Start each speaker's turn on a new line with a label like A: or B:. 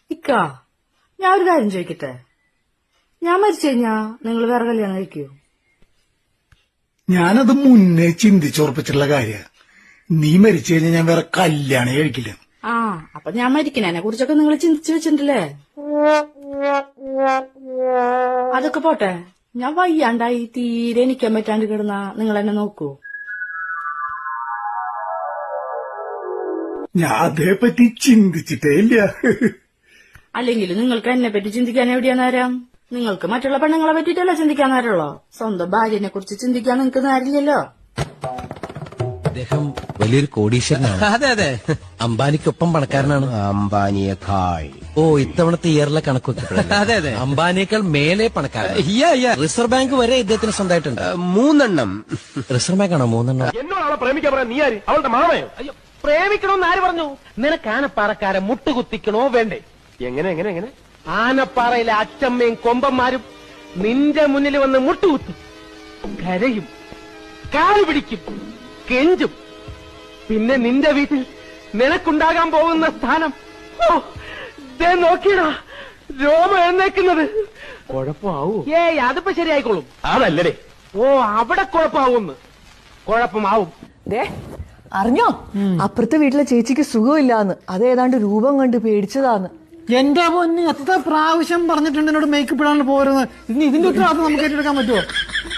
A: ഇക്ക, ഞാൻ ഒരു കാര്യം ചോദിക്കട്ടെ. ഞാൻ മരിച്ചു കഴിഞ്ഞാ നിങ്ങൾ വേറെ കല്യാണം കഴിക്കൂ?
B: ഞാനത് മുന്നേ ചിന്തിച്ചുറപ്പിച്ചിട്ടുള്ള കാര്യ. നീ മരിച്ചു കഴിഞ്ഞാൽ ഞാൻ വേറെ കല്യാണം കഴിക്കില്ല.
A: ആ, അപ്പൊ ഞാൻ മരിക്കണേനെ കുറിച്ചൊക്കെ നിങ്ങൾ ചിന്തിച്ചു വെച്ചിട്ടുണ്ടല്ലേ? അതൊക്കെ പോട്ടെ, ഞാൻ വയ്യാണ്ടായി തീരെ നിക്കാൻ പറ്റാണ്ട് കിടന്ന നിങ്ങൾ എന്നെ നോക്കൂ?
B: ഞാൻ അതേപ്പറ്റി ചിന്തിച്ചിട്ടേ ഇല്ല.
A: അല്ലെങ്കിൽ നിങ്ങൾക്ക് എന്നെ പറ്റി ചിന്തിക്കാൻ എവിടെയാ നേരം? നിങ്ങൾക്ക് മറ്റുള്ള പെണ്ണുങ്ങളെ പറ്റിട്ടല്ല ചിന്തിക്കാൻ നേരമുള്ളോ? സ്വന്തം ഭാര്യനെ കുറിച്ച് ചിന്തിക്കാൻ നിങ്ങൾക്ക് നേരില്ലല്ലോ.
C: അദ്ദേഹം വലിയൊരു കോടീശ്വരനാണ്.
D: അതെ അതെ,
C: അംബാനിക്കൊപ്പം പണക്കാരനാണ്.
D: അംബാനിയേക്കാൾ.
C: ഓ, ഇത്തവണത്തെ ഇയറിലെ കണക്ക്
D: അതെ അതെ,
C: അംബാനിയേക്കാൾ മേലെ പണക്കാരൻ. റിസർവ് ബാങ്ക് വരെ ഇദ്ദേഹത്തിന് സ്വന്തമായിട്ടുണ്ട്.
D: 3 എണ്ണം.
C: റിസർവ് ബാങ്ക് ആണോ 3 എണ്ണം?
E: എന്നോടാണ് പ്രേമിക്കാൻ പറയാൻ നീ ആര്? അവളുടെ മാമയോ?
F: അയ്യോ, പ്രേമിക്കണോന്ന് ആര് പറഞ്ഞു? നിനക്ക് ആനപ്പാറക്കാരെ മുട്ടുകുത്തിക്കണോ വേണ്ടേ?
E: എങ്ങനെ എങ്ങനെ എങ്ങനെ?
F: ആനപ്പാറയിലെ അച്ചമ്മയും കൊമ്പന്മാരും നിന്റെ മുന്നിൽ വന്ന് മുട്ടുകുത്തും, കരയും, കാല് പിടിക്കും, കെഞ്ചും. പിന്നെ നിന്റെ വീട്ടിൽ നിനക്കുണ്ടാകാൻ പോകുന്ന സ്ഥാനം, ഓ, ദേ നോക്കിയടാ, രോമം എഴുന്നേക്കുന്നത്.
E: കുഴപ്പമാവൂ?
F: ഏയ്, അതിപ്പോ ശരിയായിക്കോളും.
E: അതല്ലേ?
F: ഓ, അവിടെ കുഴപ്പമാവുമെന്ന്. കുഴപ്പമാവും.
G: അറിഞ്ഞോ, അപ്പുറത്തെ വീട്ടിലെ ചേച്ചിക്ക് സുഖമില്ലാന്ന്. അത് ഏതാണ്ട് രൂപം കണ്ട് പേടിച്ചതാന്ന്.
H: എന്റെ പൊന്നി, എത്ര പ്രാവശ്യം പറഞ്ഞിട്ടുണ്ട് എന്നോട് മേക്കപ്പ് ഇടാണ്ട് പോരുന്നത്. ഇതിന്റെ ഉത്തരവാദിത്വം നമുക്ക് ഏറ്റെടുക്കാൻ പറ്റുമോ?